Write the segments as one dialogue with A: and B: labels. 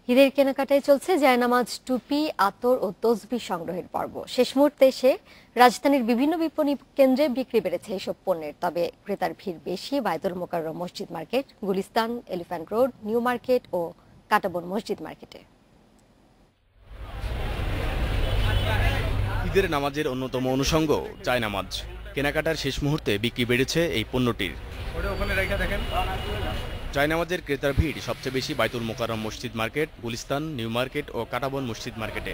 A: ঈদের কেনাকাটায় চলছে জায়নামাজ, টুপি, আতর ও তসবিহ সংগ্রহের পর্ব। শেষ মুহূর্তে এসে রাজধানীর বিভিন্ন বিপণী কেন্দ্রে বিক্রি বেড়েছে এসব পণ্যের। তবে ক্রেতার ভিড় বেশি বায়তুল মোকাররম মসজিদ market, Gulistan, elephant road, new market ও কাঁটাবন মসজিদ মার্কেটে।
B: ঈদের নামাজের অন্যতম অনুষঙ্গ জায়নামাজ। কেনাকাটার শেষ মুহূর্তে বিক্রি বেড়েছে এই পণ্যটির। জায়নামাজের ক্রেতার ভিড় সবচেয়ে বেশি বায়তুল মোকাররম মসজিদ মার্কেট, গুলিস্তান, নিউ মার্কেট ও কাঁটাবন মসজিদ মার্কেটে।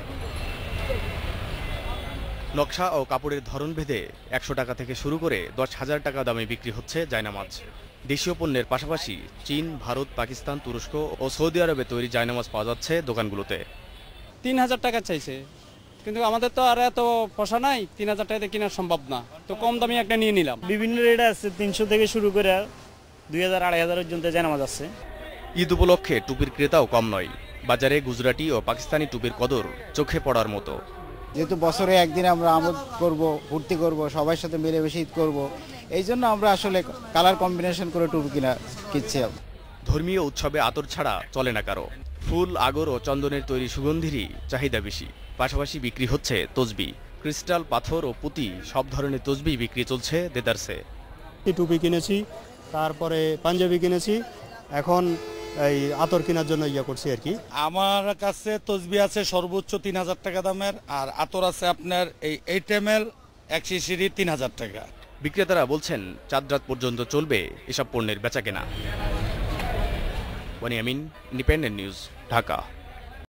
B: নকশা ও কাপড়ের ধরন ভেদে ১০০ টাকা থেকে শুরু করে ১০,০০০ টাকা দামে বিক্রি হচ্ছে জায়নামাজ। দেশীয় পণ্যের পাশাপাশি চীন, ভারত, পাকিস্তান, তুরস্ক ও সৌদি আরবে তৈরি জায়নামাজ পাওয়া যাচ্ছে দোকানগুলোতে।
C: ৩,০০০ টাকা চাইছে, কিন্তু আমাদের তো আর এত পয়সা নাই, ৩,০০০ টাকাতে কেনা সম্ভব না, তো কম দামি একটা নিয়ে নিলাম।
D: বিভিন্ন রেট আছে, ৩০০ থেকে শুরু করে ২,০০০, ২,৫০০ পর্যন্ত জায়নামাজ আছে।
B: ঈদ উপলক্ষে টুপির ক্রেতাও কম নয়। বাজারে গুজরাটি ও পাকিস্তানি টুপির কদর চোখে পড়ার মতো।
E: যেহেতু বছরে একদিন আমরা আমোদ করব, ফুর্তি করব, সবার সাথে মিলেমিশে ঈদ করব, এই জন্য আমরা আসলে কালার কম্বিনেশন করে টুপি কিনছি।
B: ধর্মীয় উৎসবে আতর ছাড়া চলে না কারো। ফুল, আগর ও চন্দনের তৈরি সুগন্ধিরই চাহিদা বেশি। পাশাপাশি বিক্রি হচ্ছে তসবিহ, ক্রিস্টাল, পাথর ও পুঁতি সব ধরনের তসবিহ বিক্রি চলছে দেদারসে।
F: টুপি কিনেছি, তারপরে পাঞ্জাবি কিনেছি, এখন এই আতর কেনার জন্য করছি আর কি।
G: আমার কাছে তসবিহ আছে সর্বোচ্চ ৩,০০০ টাকা দামের, আর আতর আছে আপনার এই 8 ml 1 শিশিরি ৩,০০০ টাকা।
B: বিক্রেতারা বলছেন চাঁদ রাত পর্যন্ত চলবে এসব পণ্যের বেচাকেনা। Wani Amin, independent news, Dhaka.